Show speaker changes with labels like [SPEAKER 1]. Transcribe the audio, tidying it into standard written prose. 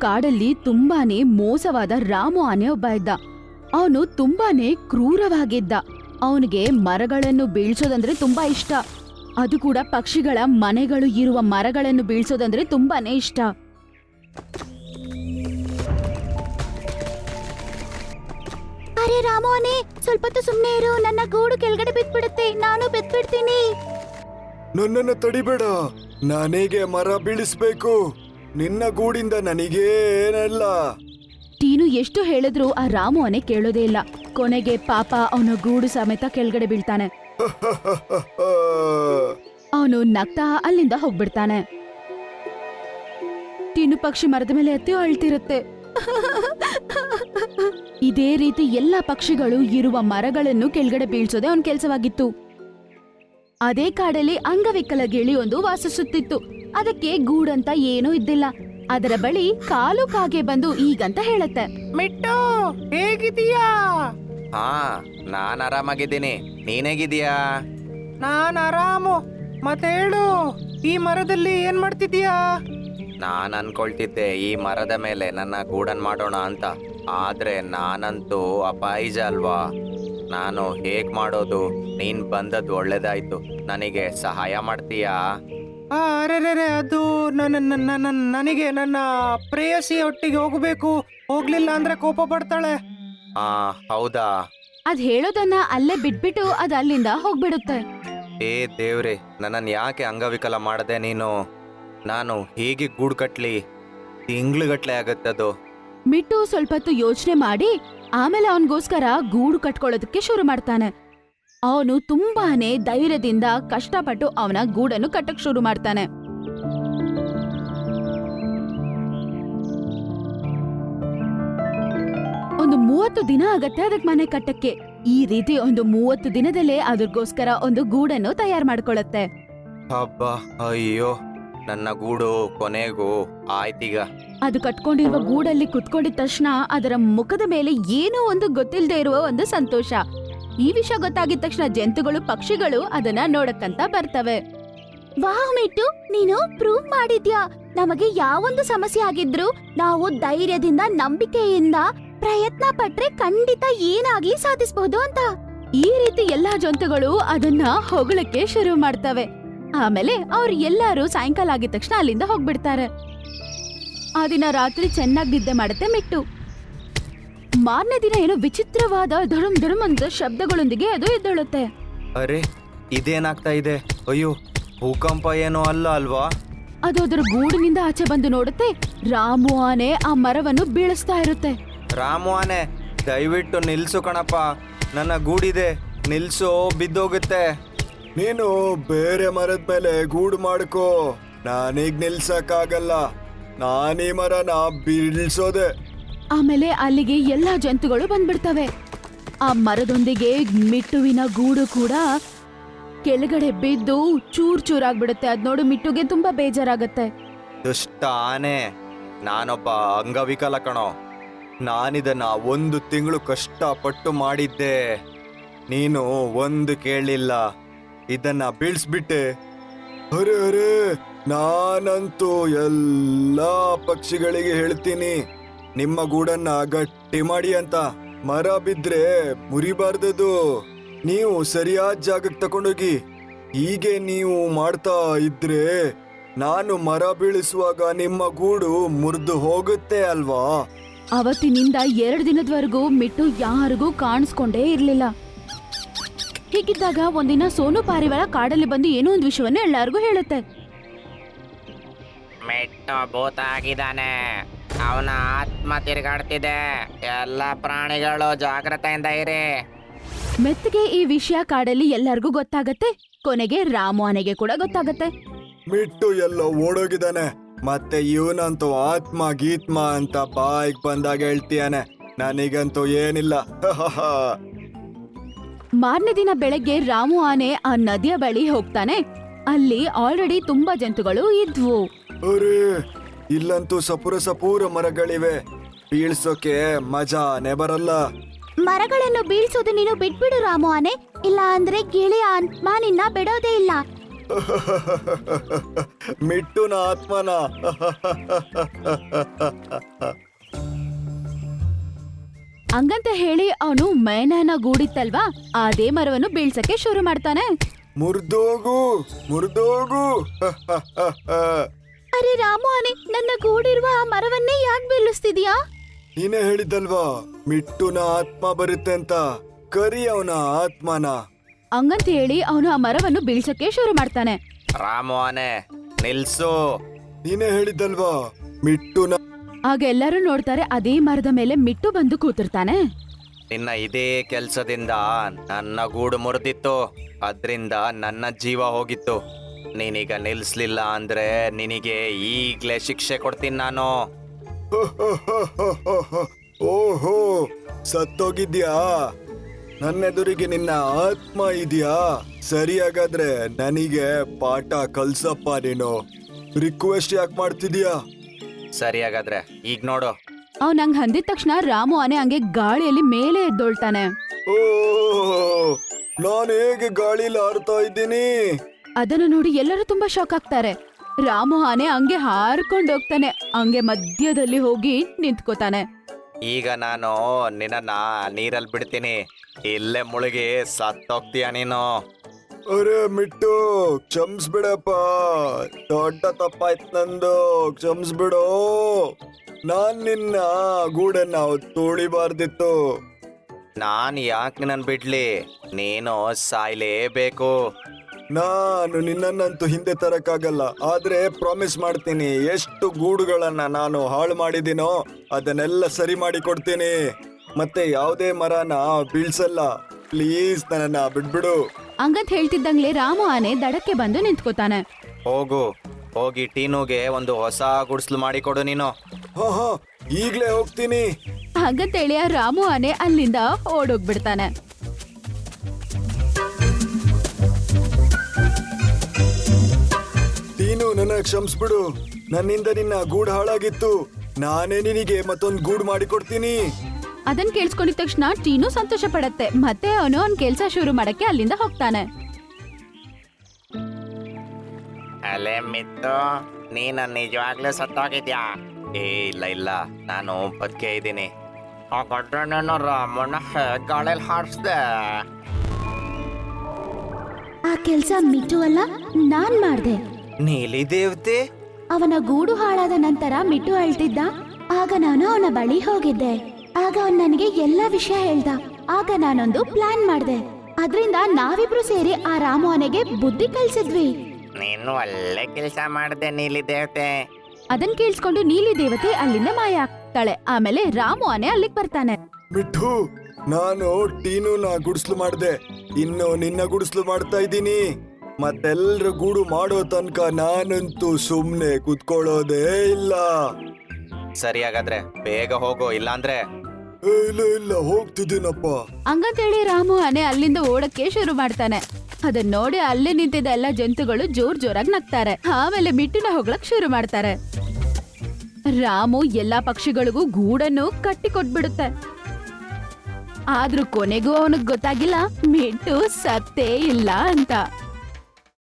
[SPEAKER 1] ಕಾಡಲ್ಲಿ ತುಂಬಾನೇ ಮೋಸವಾದ ರಾಮು ಆನೆ ಒಬ್ಬ ಇದ್ದ. ಅವನು ತುಂಬಾನೇ ಕ್ರೂರವಾಗಿದ್ದ. ಅವನಿಗೆ ಮರಗಳನ್ನು ಬೀಳ್ಸೋದಂದ್ರೆ ತುಂಬಾ ಇಷ್ಟ. ಅದು ಕೂಡ ಪಕ್ಷಿಗಳ ಮನೆಗಳು ಇರುವ ಮರಗಳನ್ನು ಬೀಳ್ಸೋದಂದ್ರೆ ತುಂಬಾನೇ ಇಷ್ಟ. ಅರೆ ರಾಮು ಆನೆ, ಸ್ವಲ್ಪ ಹೊತ್ತು ಸುಮ್ನೆ ಇರು. ನನ್ನ ಗೂಡು ಕೆಳಗಡೆ ಬಿದ್ಬಿಡುತ್ತೆ, ನಾನು ಬಿದ್ಬಿಡ್ತೀನಿ.
[SPEAKER 2] ನನ್ನನ್ನು ತಡಿಬೇಡ, ನನಗೆ ಮರ ಬೀಳಿಸ್ಬೇಕು. ನಿನ್ನ ಗೂಡಿಂದ ನನಗೇನಲ್ಲ.
[SPEAKER 1] ಟೀನು ಎಷ್ಟು ಹೇಳಿದ್ರು ಆ ರಾಮು ಆನೆ ಕೇಳೋದೇ ಇಲ್ಲ. ಕೊನೆಗೆ ಪಾಪ ಅವನ ಗೂಡು ಸಮೇತ ಕೆಳಗಡೆ ಬೀಳ್ತಾನೆ. ಅವನು ನಗ್ತಾ ಅಲ್ಲಿಂದ ಹೋಗ್ಬಿಡ್ತಾನೆ. ಟೀನು ಪಕ್ಷಿ ಮರದ ಮೇಲೆ ಹತ್ತಿ ಅಳ್ತಿರುತ್ತೆ. ಇದೇ ರೀತಿ ಎಲ್ಲಾ ಪಕ್ಷಿಗಳು ಇರುವ ಮರಗಳನ್ನು ಕೆಳಗಡೆ ಬೀಳ್ಸೋದೇ ಅವನ ಕೆಲಸವಾಗಿತ್ತು. ಅದೇ ಕಾಡಲ್ಲಿ ಅಂಗವಿಕಲ ಗಿಳಿಯೊಂದು ವಾಸಿಸುತ್ತಿತ್ತು. ಅದಕ್ಕೆ ಗೂಡಂತ ಏನೂ ಇದ್ದಿಲ್ಲ. ಅದರ ಬಳಿ ಕಾಲು ಕಾಗೆ ಬಂದು ಈಗಂತ ಹೇಳತ್ತೆ,
[SPEAKER 3] ಮಿಟ್ಟು ಹೇಗಿದೀಯಾ?
[SPEAKER 4] ಹಾ, ನಾನ್ ಆರಾಮಾಗಿದ್ದೀನಿ. ನೀನೇಗಿದೀಯಾ?
[SPEAKER 3] ನಾನ್ ಆರಾಮು. ಮತ್ತೆ ಹೇಳು, ಈ ಮರದಲ್ಲಿ ಏನ್ ಮಾಡ್ತಿದೀಯಾ?
[SPEAKER 4] ನಾನ್ ಅನ್ಕೊಳ್ತಿದ್ದೆ ಈ ಮರದ ಮೇಲೆ ನನ್ನ ಗೂಡನ್ ಮಾಡೋಣ ಅಂತ. ಆದ್ರೆ ನಾನಂತೂ ಅಪಾಯಿಜ ಅಲ್ವಾ, ನಾನು ಹೇಗ್ ಮಾಡೋದು? ನೀನ್ ಬಂದದ್ದು ಒಳ್ಳೇದಾಯ್ತು. ನನಗೆ ಸಹಾಯ ಮಾಡ್ತೀಯಾ?
[SPEAKER 3] ಅರೆ ಅದು ನನಗೆ ನನ್ನ ಪ್ರೇಯಸಿ ಒಟ್ಟಿಗೆ ಹೋಗ್ಬೇಕು. ಹೋಗ್ಲಿಲ್ಲ ಅಂದ್ರೆ ಕೋಪ ಪಡ್ತಾಳೆ.
[SPEAKER 4] ಹಾ, ಹೌದಾ?
[SPEAKER 1] ಅದ್ ಹೇಳೋದನ್ನ ಅಲ್ಲೇ ಬಿಟ್ಬಿಟ್ಟು ಅದ್ ಅಲ್ಲಿಂದ ಹೋಗ್ಬಿಡುತ್ತೆ.
[SPEAKER 4] ಏ ದೇವ್ರೆ, ನನ್ನನ್ ಯಾಕೆ ಅಂಗವಿಕಲ ಮಾಡದೆ ನೀನು? ನಾನು ಹೇಗೆ ಗೂಡು ಕಟ್ಲಿ? ತಿಂಗ್ಳುಗಟ್ಲೆ ಆಗತ್ತದು.
[SPEAKER 1] ಮಿಟ್ಟು ಸ್ವಲ್ಪ ಹೊತ್ತು ಯೋಚನೆ ಮಾಡಿ ಆಮೇಲೆ ಅವನಿಗೋಸ್ಕರ ಗೂಡು ಕಟ್ಕೊಳ್ಳೋದಕ್ಕೆ ಶುರು ಮಾಡ್ತಾನೆ. ಅವನು ತುಂಬಾನೇ ಧೈರ್ಯದಿಂದ ಕಷ್ಟಪಟ್ಟು ಅವನ ಗೂಡನ್ನು ಕಟ್ಟಕ್ ಶುರು ಮಾಡ್ತಾನೆ. ಒಂದು 30 ದಿನ ಆಗತ್ತೆ ಅದಕ್ಕೆ ಮನೆ ಕಟ್ಟಕ್ಕೆ. ಈ ರೀತಿ ಒಂದು 30 ದಿನದಲ್ಲೇ ಅದಕ್ಕೋಸ್ಕರ ಒಂದು ಗೂಡನ್ನು ತಯಾರು ಮಾಡ್ಕೊಳ್ಳುತ್ತೆ.
[SPEAKER 4] ಹಬ್ಬ, ಅಯ್ಯೋ, ನನ್ನ ಗೂಡು ಕೊನೆಗೂ ಆಯ್ತೀಗ.
[SPEAKER 1] ಅದು ಕಟ್ಕೊಂಡಿರುವ ಗೂಡಲ್ಲಿ ಕುತ್ಕೊಂಡಿದ ತಕ್ಷಣ ಅದರ ಮುಖದ ಮೇಲೆ ಏನೋ ಒಂದು ಗೊತ್ತಿಲ್ಲದೆ ಇರುವ ಒಂದು ಸಂತೋಷ. ಈ ವಿಷಯ ಗೊತ್ತಾಗಿದ ತಕ್ಷಣ ಜಂತುಗಳು ಪಕ್ಷಿಗಳು ಅದನ್ನ ನೋಡಕ್ಕಂತ ಬರ್ತವೆ. ವಾಹ್ ಮಿಟ್ಟು, ನೀನು ಪ್ರೂವ್ ಮಾಡಿದ್ಯಾ. ನಮಗೆ ಯಾವೊಂದು ಸಮಸ್ಯೆ ಆಗಿದ್ರು ನಾವು ಧೈರ್ಯದಿಂದ ನಂಬಿಕೆಯಿಂದ ಪ್ರಯತ್ನ ಪಟ್ರೆ ಖಂಡಿತ ಏನಾಗ್ಲಿ ಸಾಧಿಸಬಹುದು ಅಂತ. ಈ ರೀತಿ ಎಲ್ಲಾ ಜಂತುಗಳು ಅದನ್ನ ಹೊಗಳಕ್ಕೆ ಶುರು ಮಾಡ್ತವೆ. ಆಮೇಲೆ ಅವ್ರು ಎಲ್ಲಾರು ಸಾಯಂಕಾಲ ಆಗಿದ ತಕ್ಷಣ ಅಲ್ಲಿಂದ ಹೋಗ್ಬಿಡ್ತಾರೆ. ಆ ದಿನ ರಾತ್ರಿ ಚೆನ್ನಾಗಿ ನಿದ್ದೆ ಮಾಡುತ್ತೆ ಮಿಟ್ಟು. ಮಾರನೇ ದಿನ ಏನೋ ವಿಚಿತ್ರವಾದ ಧಡಮ್ ಧಡಮ್ ಅಂತ ಶಬ್ದಗಳೊಂದಿಗೆ ಅದು ಎದ್ದೇಳುತ್ತೆ.
[SPEAKER 4] ಅರೆ, ಇದೇನಾಗ್ತಾ ಇದೆ? ಅಯ್ಯೋ, ಭೂಕಂಪ ಏನೋ ಅಲ್ಲ ಅಲ್ವಾ?
[SPEAKER 1] ಅದು ಅದರ ಗೂಡಿನಿಂದ ಆಚೆ ಬಂದು ನೋಡುತ್ತೆ. ರಾಮು ಆನೆ ಆ ಮರವನ್ನು ಬೀಳಿಸ್ತಾ ಇರುತ್ತೆ.
[SPEAKER 4] ರಾಮು ಆನೆ, ದಯವಿಟ್ಟು ನಿಲ್ಸು ಕಣಪ್ಪ. ನನ್ನ ಗೂಡಿದೆ, ನಿಲ್ಸು, ಬಿದ್ದೋಗುತ್ತೆ.
[SPEAKER 2] ನೀನು ಬೇರೆ ಮರದ ಮೇಲೆ ಗೂಡು ಮಾಡ್ಕೋ. ನಾನೀಗ ನಿಲ್ಸಕ್ಕಾಗಲ್ಲ. ನಾನೀ ಮರನ ಬೀಳ್ಸೋದೆ.
[SPEAKER 1] ಆಮೇಲೆ ಅಲ್ಲಿಗೆ ಎಲ್ಲಾ ಜಂತುಗಳು ಬಂದ್ಬಿಡ್ತವೆ. ಆ ಮರದೊಂದಿಗೆ ಮಿಟ್ಟುವಿನ ಗೂಡು ಕೂಡ ಕೆಳಗಡೆ ಬಿದ್ದು ಚೂರ್ ಚೂರಾಗ್ಬಿಡುತ್ತೆ. ಅದ್ ನೋಡು ಮಿಟ್ಟುಗೆ ತುಂಬಾ ಬೇಜಾರಾಗತ್ತೆ.
[SPEAKER 4] ದುಷ್ಟ ಆನೆ, ನಾನೊಬ್ಬ ಅಂಗವಿಕಲ ಕಣೋ. ನಾನಿದನ್ನ 1 ತಿಂಗಳು ಕಷ್ಟಪಟ್ಟು ಮಾಡಿದ್ದೆ. ನೀನು ಒಂದು ಕೇಳಲಿಲ್ಲ, ಇದನ್ನ ಬೀಳ್ಸ್ಬಿಟ್ಟೆ.
[SPEAKER 2] ಅರೆ ಅರೆ, ನಾನಂತೂ ಎಲ್ಲಾ ಪಕ್ಷಿಗಳಿಗೆ ಹೇಳ್ತೀನಿ ನಿಮ್ಮ ಗೂಡನ್ನ ಗಟ್ಟಿ ಮಾಡಿ ಅಂತ. ಮರ ಬಿದ್ರೆ ಮುರಿಬಾರ್ದದು. ನೀವು ಸರಿಯಾದ ಜಾಗಕ್ಕೆ ತಕೊಂಡೋಗಿ. ಹೀಗೆ ನೀವು ಮಾಡ್ತಾ ಇದ್ರೆ ನಾನು ಮರ ಬೀಳಿಸುವಾಗ ನಿಮ್ಮ ಗೂಡು ಮುರಿದು ಹೋಗುತ್ತೆ ಅಲ್ವಾ?
[SPEAKER 1] ಅವತ್ತಿನಿಂದ 2 ದಿನದವರೆಗೂ ಮಿಟ್ಟು ಯಾರಿಗೂ ಕಾಣಿಸ್ಕೊಂಡೇ ಇರ್ಲಿಲ್ಲ. ಹೀಗಿದ್ದಾಗ ಒಂದಿನ ಸೋನು ಪಾರಿವಾಳ ಕಾಡಲ್ಲಿ ಬಂದು ಏನೋ ಒಂದು ವಿಷಯವನ್ನು ಎಲ್ಲರಿಗೂ ಹೇಳುತ್ತೆ.
[SPEAKER 5] ಮಿಟ್ಟು ಭೂತ ಆಗಿದ್ದಾನೆ. ಅವನ ಆತ್ಮ ತಿರುಗಾಡ್ತಿದೆ. ಎಲ್ಲ ಪ್ರಾಣಿಗಳು ಜಾಗ್ರತೆಯಿಂದ ಇರಿ.
[SPEAKER 1] ಮೆತ್ತಗೆ ಈ ವಿಷಯ ಕಾಡಲ್ಲಿ ಎಲ್ಲರಿಗೂ ಗೊತ್ತಾಗತ್ತೆ. ಕೊನೆಗೆ ರಾಮು ಆನೆಗೆ ಕೂಡ ಗೊತ್ತಾಗತ್ತೆ.
[SPEAKER 2] ಮಿಟ್ಟು ಎಲ್ಲೋ ಓಡೋಗಿದ್ದಾನೆ. ಮತ್ತೆ ಇವನಂತೂ ಆತ್ಮ ಗೀತ್ಮ ಅಂತ ಬಾಯಿಗೆ ಬಂದಾಗ ಹೇಳ್ತೀಯಾನೆ. ನನಗಂತೂ ಏನಿಲ್ಲ.
[SPEAKER 1] ಮಾರನೇ ದಿನ ಬೆಳಗ್ಗೆ ರಾಮು ಆನೆ ಆ ನದಿಯ ಬಳಿ ಹೋಗ್ತಾನೆ. ಅಲ್ಲಿ ಆಲ್ರೆಡಿ ತುಂಬಾ ಜಂತುಗಳು ಇದ್ವು.
[SPEAKER 2] ಅರೆ, ಇಲ್ಲಂತೂ ಸಪೂರ ಮರಗಳಿವೆ. ಬೀಳ್ಸೋಕೆ ಮಜಾನೇ ಬರಲ್ಲ.
[SPEAKER 1] ಮರಗಳನ್ನು ಬೀಳ್ಸೋದು ನೀನು ಬಿಟ್ಬಿಡು ರಾಮು ಆನೆ, ಇಲ್ಲ ಅಂದ್ರೆ ಗಿಳಿಯ ಆತ್ಮ ನಿನ್ನ ಬಿಡೋದೇ ಇಲ್ಲ.
[SPEAKER 2] ಮಿಟ್ಟುನ ಆತ್ಮನ.
[SPEAKER 1] ಹಂಗಂತ ಹೇಳಿ ಅವನು ಮೈನನ ಗೂಡಿತ್ತಲ್ವಾ ಅದೇ ಮರವನ್ನು ಬೀಳ್ಸಕ್ಕೆ ಶುರು ಮಾಡ್ತಾನೆ.
[SPEAKER 2] ಮುರ್ದೋಗು ಮುರ್ದೋಗು.
[SPEAKER 1] ಅರೆ ರಾಮು ಆನೆ, ನನ್ನ ಗೂಡಿರುವ ಆ ಮರವನ್ನೇ ಯಾಕೆ ಬೀಳಿಸ್ತಿದ್ಯಾ?
[SPEAKER 2] ನೀನೇ ಹೇಳಿದ್ದಲ್ವಾ ಮಿಟ್ಟುನ ಆತ್ಮ ಬರುತ್ತೆ ಅಂತ. ಕರಿ ಅವನ ಆತ್ಮನ.
[SPEAKER 1] ಹಂಗಂತ ಹೇಳಿ ಅವನು ಆ ಮರವನ್ನು ಬೀಳ್ಸಕ್ಕೆ ಶುರು ಮಾಡ್ತಾನೆ.
[SPEAKER 4] ರಾಮು ಆನೆ ನಿಲ್ಸು.
[SPEAKER 2] ನೀನೇ ಹೇಳಿದ್ದಲ್ವಾ ಮಿಟ್ಟುನ.
[SPEAKER 1] ಆಗ ಎಲ್ಲರೂ ನೋಡ್ತಾರೆ, ಅದೇ ಮರದ ಮೇಲೆ ಮಿಟ್ಟು ಬಂದು ಕೂತಿರ್ತಾನೆ.
[SPEAKER 4] ನಿನ್ನ ಇದೇ ಕೆಲ್ಸದಿಂದ ನನ್ನ ಗೂಡು ಮುರಿದಿತ್ತು, ಅದ್ರಿಂದ ನನ್ನ ಜೀವ ಹೋಗಿತ್ತು. ನೀನೀಗ ನಿಲ್ಸ್ಲಿಲ್ಲ ಅಂದ್ರೆ ನಿನಗೆ ಈಗ್ಲೇ ಶಿಕ್ಷೆ ಕೊಡ್ತೀನಿ ನಾನು.
[SPEAKER 2] ಓಹೋ, ಸತ್ತೋಗಿದ್ಯಾ? ನನ್ನೆದುರಿಗೆ ನಿನ್ನ ಆತ್ಮ ಇದೆಯಾ? ಸರಿ, ಹಾಗಾದ್ರೆ ನನಗೆ ಪಾಠ ಕಲ್ಸಪ್ಪ. ನೀನು ರಿಕ್ವೆಸ್ಟ್ ಯಾಕೆ ಮಾಡ್ತಿದ್ಯಾ?
[SPEAKER 4] ಸರಿ ಹಾಗಾದ್ರೆ ಈಗ ನೋಡು.
[SPEAKER 1] ಅವ್ನ್ ಹಂಗ್ ಅಂದಿದ ತಕ್ಷಣ ರಾಮು ಆನೆ ಹಂಗೆ ಗಾಳಿಯಲ್ಲಿ ಮೇಲೆ ಎದ್ದೊಳ್ತಾನೆ.
[SPEAKER 2] ಓ, ನಾನು ಹೇಗೆ ಗಾಳಿಲಿ ಹಾರ್ತಾ ಇದ್ದೀನಿ?
[SPEAKER 1] ಅದನ್ನು ನೋಡಿ ಎಲ್ಲರೂ ತುಂಬಾ ಶಾಕ್ ಆಗ್ತಾರೆ. ರಾಮು ಆನೆ ಹಂಗೆ ಹಾರ್ಕೊಂಡು ಹೋಗ್ತಾನೆ, ಹಂಗೆ ಮಧ್ಯದಲ್ಲಿ ಹೋಗಿ ನಿಂತ್ಕೋತಾನೆ.
[SPEAKER 4] ಈಗ ನಾನು ನಿನ್ನ ನೀರಲ್ಲಿ ಬಿಡ್ತೀನಿ, ಇಲ್ಲೇ ಮುಳುಗಿ ಸತ್ತೋಗ್ತೀಯ ನೀನು.
[SPEAKER 2] ಅರೆ ಮಿಟ್ಟು, ಕ್ಷಮಿಸ್ಬಿಡಪ್ಪ, ದೊಡ್ಡ ತಪ್ಪಾಯ್ತು ನಂದು, ಕ್ಷಮಿಸ್ಬಿಡು. ನಾನ್ ನಿನ್ನ ಗೂಡನ್ನ ತುಳಿಬಾರ್ದಿತ್ತು.
[SPEAKER 4] ನಾನು ಯಾಕೆ ನಿನ್ನನ್ನು ಬಿಡ್ಲಿ? ನೀನು ಸಾಯ್ಲೇಬೇಕು.
[SPEAKER 2] ನಾನು ನಿನ್ನನ್ನಂತೂ ಹಿಂದೆ ತರಕ್ಕಾಗಲ್ಲ, ಆದ್ರೆ ಪ್ರಾಮಿಸ್ ಮಾಡ್ತೀನಿ, ಎಷ್ಟು ಗೂಡುಗಳನ್ನ ನಾನು ಹಾಳು ಮಾಡಿದ್ದೀನೋ ಅದನ್ನೆಲ್ಲ ಸರಿ ಮಾಡಿ ಕೊಡ್ತೀನಿ. ಮತ್ತೆ ಯಾವುದೇ ಮರನ ಬೀಳ್ಸಲ್ಲ. ಪ್ಲೀಸ್ ನನ್ನನ್ನ ಬಿಡ್ಬಿಡು.
[SPEAKER 1] ಹಂಗಂತ ಹೇಳ್ತಿದ್ದಂಗ್ಲೆ ರಾಮು ಆನೆ ದಡಕ್ಕೆ ಬಂದು ನಿಂತ್ಕೋತಾನೆ.
[SPEAKER 4] ಹೋಗಿ ಟೀನುಗೆ ಒಂದು ಹೊಸ ಗುಡಿಸ್ಲು ಮಾಡಿಕೊಡು ನೀನು.
[SPEAKER 2] ಹಾ, ಈಗ್ಲೇ ಹೋಗ್ತೀನಿ.
[SPEAKER 1] ಹಾಗಂತೇಳಿ ಆ ರಾಮು ಆನೆ ಅಲ್ಲಿಂದ ಓಡೋಗ್ಬಿಡ್ತಾನೆ.
[SPEAKER 2] ನೀನು ನನ್ನ ಕ್ಷಮಿಸ್ಬಿಡು. ನನ್ನಿಂದ ನಿನ್ನ ಗೂಡು ಹಾಳಾಗಿತ್ತು. ನಾನೇ ನಿನಗೆ ಮತ್ತೊಂದು ಗೂಡು ಮಾಡಿಕೊಡ್ತೀನಿ.
[SPEAKER 1] ಅದನ್ ಕೇಳಿಸ್ಕೊಂಡಿದ ತಕ್ಷಣ ಟೀನು ಸಂತೋಷ ಪಡತ್ತೆ. ಮತ್ತೆ ಅವನು ಅವ್ನ್ ಕೆಲ್ಸ ಶುರು ಮಾಡಕ್ಕೆ ಅಲ್ಲಿಂದ ಹೋಗ್ತಾನೆ.
[SPEAKER 5] ಅಲೆ ಮಿತ್ತು, ನೀನು ನಿಜವಾಗ್ಲೂ ಸತ್ತೋಗಿದ್ಯಾ?
[SPEAKER 4] ಇಲ್ಲ, ನಾನು ಬದುಕೆ ಇದ್ದೀನಿ.
[SPEAKER 5] ಹಾಗಾದ್ರೆ ನಾನು ರಾಮಣ್ಣ ಗಾಳಿಯಲ್ಲಿ ಹಾರಿಸ್ದೆ.
[SPEAKER 1] ಆ ಕೆಲ್ಸ ಮಿಟ್ಟು ಅಲ್ಲ, ನಾನ್ ಮಾಡ್ದೆ.
[SPEAKER 4] ನೀಲಿ ದೇವತೆ?
[SPEAKER 1] ಅವನ ಗೂಡು ಹಾಳಾದ ನಂತರ ಮಿಟ್ಟು ಅಳ್ತಿದ್ದ. ಆಗ ನಾನು ಅವನ ಬಳಿ ಹೋಗಿದ್ದೆ. ಆಗ ಅವನ್ ನನಗೆ ಎಲ್ಲಾ ವಿಷಯ ಹೇಳ್ದ. ಆಗ ನಾನೊಂದು ಪ್ಲಾನ್ ಮಾಡ್ದೆ. ಅದ್ರಿಂದ ನಾವಿಬ್ರು ಸೇರಿ ಆ ರಾಮು ಆನೆಗೆ ಬುದ್ಧಿ ಕಲ್ಸಿದ್ವಿ.
[SPEAKER 5] ನೀನು ಒಳ್ಳೆ ಕೆಲಸ ಮಾಡಿದೆ ನೀಲಿ ದೇವತೆ.
[SPEAKER 1] ಅದನ್ ಕೇಳಿಸ್ಕೊಂಡು ನೀಲಿ ದೇವತೆ ಅಲ್ಲಿಂದ ಮಾಯ ಆಗ್ತಾಳೆ. ಆಮೇಲೆ ರಾಮು ಆನೆ ಅಲ್ಲಿಗೆ ಬರ್ತಾನೆ.
[SPEAKER 2] ಮಿಠು, ನಾನು ಟೀನುನ ಗುಡಿಸ್ಲು ಮಾಡ್ದೆ, ಇನ್ನು ನಿನ್ನ ಗುಡಿಸ್ಲು ಮಾಡ್ತಾ ಇದ್ದೀನಿ. ಮತ್ತೆಲ್ರ ಗೂಡು ಮಾಡೋ ತನಕ ನಾನಂತೂ ಸುಮ್ನೆ ಕುತ್ಕೊಳ್ಳೋದೇ ಇಲ್ಲ.
[SPEAKER 4] ಸರಿ ಹಾಗಾದ್ರೆ ಬೇಗ ಹೋಗು, ಇಲ್ಲಾಂದ್ರೆ.
[SPEAKER 2] ಇಲ್ಲ ಹೋಗ್ತಿದ್ದೀನಪ್ಪ.
[SPEAKER 1] ಹಂಗಂತೇಳಿ ರಾಮು ಆನೆ ಅಲ್ಲಿಂದ ಓಡಕ್ಕೆ ಶುರು ಮಾಡ್ತಾನೆ. ಅದನ್ನ ನೋಡಿ ಅಲ್ಲೇ ನಿಂತಿದ್ದ ಎಲ್ಲ ಜಂತುಗಳು ಜೋರಾಗಿ ನಗ್ತಾರೆ. ಆಮೇಲೆ ಮಿಟ್ಟುನ ಹೋಗ್ಲಕ್ ಶುರು ಮಾಡ್ತಾರೆ. ರಾಮು ಎಲ್ಲಾ ಪಕ್ಷಿಗಳಿಗೂ ಗೂಡನ್ನು ಕಟ್ಟಿ ಕೊಟ್ಬಿಡುತ್ತೆ. ಆದ್ರೂ ಕೊನೆಗೂ ಅವನಿಗೆ ಗೊತ್ತಾಗಿಲ್ಲ ಮಿಟ್ಟು ಸತ್ತೇ ಇಲ್ಲ ಅಂತ.